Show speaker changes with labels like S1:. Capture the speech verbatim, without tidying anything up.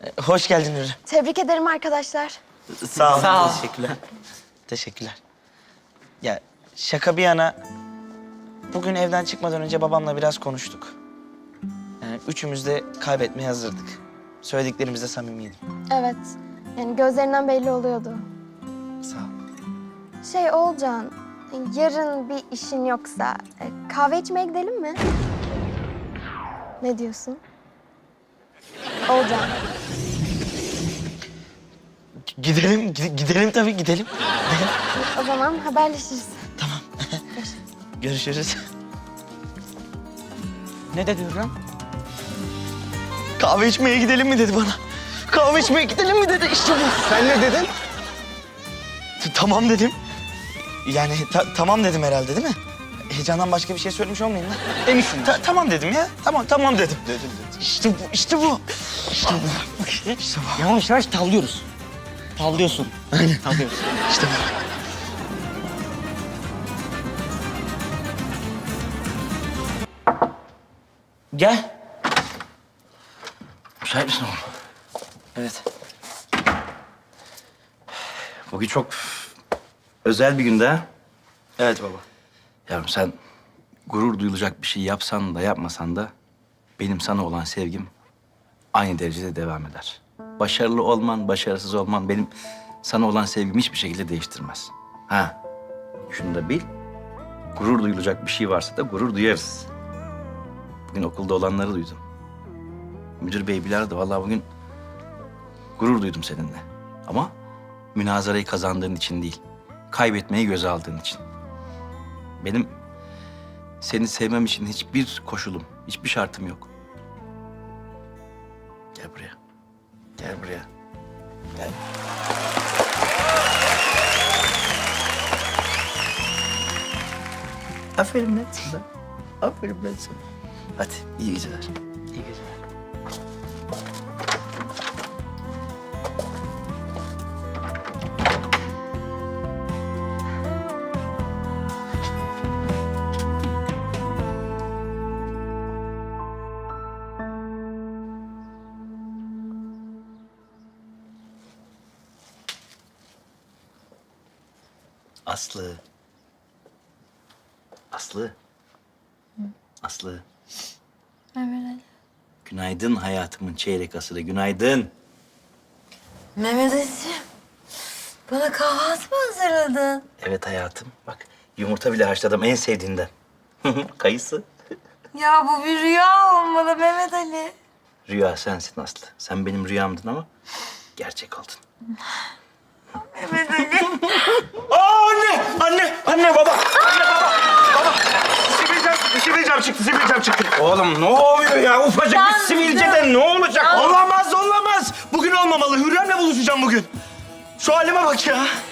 S1: Ee, Hoş geldin Hürrem.
S2: Tebrik ederim arkadaşlar.
S1: Sağ ol.
S3: Sağ ol.
S1: Teşekkürler. Teşekkürler. Ya şaka bir yana, bugün evden çıkmadan önce babamla biraz konuştuk. Yani üçümüz de kaybetmeye hazırdık. Söylediklerimizde samimiydim.
S2: Evet. Yani gözlerinden belli oluyordu.
S1: Sağ ol.
S2: Şey Oğulcan, yarın bir işin yoksa e, kahve içmeye gidelim mi? Ne diyorsun? Oğulcan.
S1: G- Gidelim, gide- gidelim tabii gidelim.
S2: O zaman haberleşiriz.
S1: Görüşürüz.
S3: Ne dedi Hürrem?
S1: Kahve içmeye gidelim mi dedi bana. Kahve içmeye gidelim mi dedi, işte bu.
S4: Sen ne dedin?
S1: T- Tamam dedim. Yani ta- tamam dedim herhalde değil mi? Heyecandan başka bir şey söylemiş olmayayım lan.
S3: Eminsin.
S1: Ta- tamam dedim ya. Tamam, tamam dedim. Dedim, dedim. İşte bu, işte bu. İşte bu. İşte bu.
S3: Yavaş yavaş tavlıyoruz. Tavlıyorsun. Aynen. Tavlıyoruz.
S1: İşte bu.
S3: Gel.
S5: Müsait misin oğlum?
S3: Evet.
S5: Bugün çok özel bir günde ha?
S1: Evet baba.
S5: Yavrum sen gurur duyulacak bir şey yapsan da yapmasan da benim sana olan sevgim aynı derecede devam eder. Başarılı olman, başarısız olman benim sana olan sevgimi hiçbir şekilde değiştirmez. Ha, şunu da bil, gurur duyulacak bir şey varsa da gurur duyarız. Bugün okulda olanları duydum. Müdür bey bilardı, vallahi bugün gurur duydum seninle. Ama münazarayı kazandığın için değil, kaybetmeyi göze aldığın için. Benim seni sevmem için hiçbir koşulum, hiçbir şartım yok. Gel buraya. Gel buraya. Gel. Aferin lan sana. Aferin lan sana. Hadi iyi geceler. İyi geceler. Aslı. Aslı. Aslı.
S6: Mehmet Ali.
S5: Günaydın hayatımın çeyrek asırı. Günaydın.
S6: Mehmet Ali'ciğim. Bana kahvaltı mı hazırladın?
S5: Evet hayatım. Bak yumurta bile haşladım en sevdiğinden. Kayısı.
S6: Ya bu bir rüya olmalı Mehmet Ali.
S5: Rüya sensin Aslı. Sen benim rüyamdın ama gerçek oldun.
S6: Mehmet Ali.
S1: Aa, anne! Anne! Anne baba! Anne baba! Baba! Sivilcem, sivilcem çıktı, sivilcem çıktı.
S5: Oğlum ne oluyor ya? Ufacık
S6: Yandım.
S5: bir sivilceden ne olacak?
S1: Olamaz, olamaz. Bugün olmamalı. Hürrem'le buluşacağım bugün. Şu halime bak ya.